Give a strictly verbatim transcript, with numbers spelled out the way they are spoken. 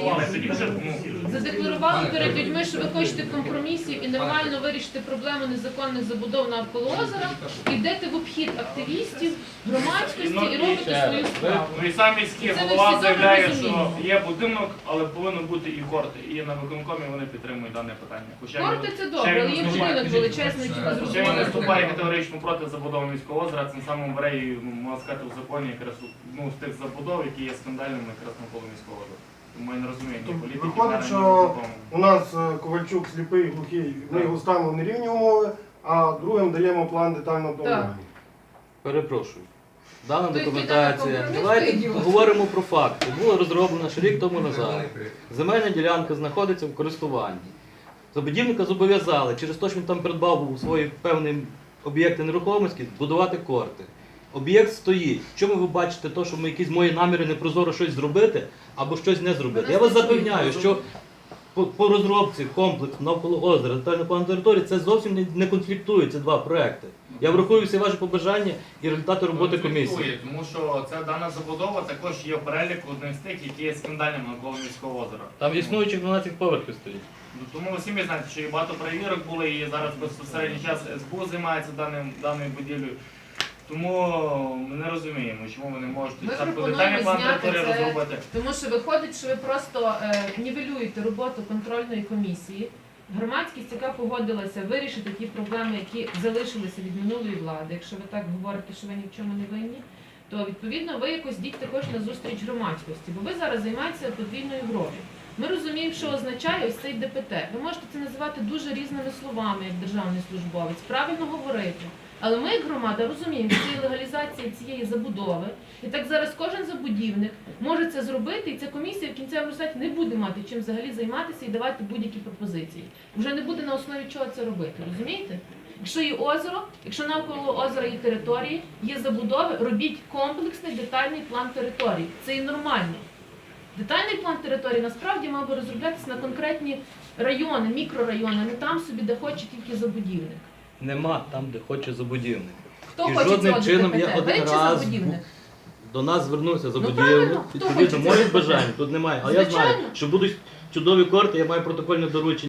Але тоді вже, ну, задекларували перед людьми, що ви хочете компромісів і нормально вирішити проблему незаконних забудов навколо озера, і йдете в обхід активістів, громадськості і робите свою справу. ну і сам міський Це ви голова всі заявляє, добре що розумієте. є будинок, але повинно бути і корти. І на виконкомі вони підтримують дане питання. Хоча він- Корти це ще добре, він але є виступає- будинок величезний, чи Ще він зрозуміло. виступає категорично проти забудови міського озера, цим самим бере і, ну, можна сказати, в законі якраз ну, з тих забудов, які є скандальними якраз навколо міського озера. Тому я не розумію ні політики, Виходить, ні що виконкому. у нас е, Ковальчук сліпий, глухий, ми його ставимо на рівні умови, а другим даємо план детального планування. Перепрошую. Дана Тобто документація. йде на компроміс, Давайте то ідіот. говоримо про факти. Була розроблена ще рік тому назад. Земельна ділянка знаходиться в користуванні. Забудівника зобов'язали, через те, що він там придбав у свої певні об'єкти нерухомості, будувати корти. Об'єкт стоїть. В чому ви бачите те, що ми якісь мої наміри непрозоро щось зробити або щось не зробити? Я вас запевняю, що по, по розробці комплексу навколо озера, детальний план території, це зовсім не, не конфліктують ці два проекти. Я врахую всі ваші побажання і результати роботи комісії. Конфліктує, Тому що ця дана забудова також є в переліку одним з тих, які є скандальними навколо міського озера. Там існуючих дванадцять поверхів стоїть. Ну, тому ви самі знаєте, що і багато перевірок були, і зараз безпосередній час ес бе у займається даним, даною будівлею. Тому ми не розуміємо, чому ви не можете Ми спочатку пропонуємо детальний план зняти території це. розробити. Тому що виходить, що ви просто е, нівелюєте роботу контрольної комісії. Громадськість, яка погодилася вирішити ті проблеми, які залишилися від минулої влади, якщо ви так говорите, що ви ні в чому не винні, то відповідно ви якось йдіть також на зустріч громадськості, бо ви зараз займаєтеся подвійною грою. Ми розуміємо, що означає ось цей де пе те. Ви можете це називати дуже різними словами, як державний службовець, правильно говорити. Але ми, як громада, розуміємо, що це є легалізація цієї забудови. І так зараз кожен забудівник може це зробити, і ця комісія в кінцевому результаті не буде мати чим взагалі займатися і давати будь-які пропозиції. Вже не буде на основі чого це робити, розумієте? Якщо є озеро, якщо навколо озера є території, є забудови, робіть комплексний детальний план території. Це і нормально. Детальний план території насправді мав би розроблятися на конкретні райони, мікрорайони, а не там собі, де хоче тільки забудівник. Нема там, де хоче забудівник. Хто І хоче жодним цього чином де пе те? я Ви один чи раз забудівник? до нас звернувся забудівник. правильно, хто Відповідно, хоче моїх цього? бажань тут немає. Але я знаю, Звичайно. що будуть чудові корти, я маю протокольне доручення.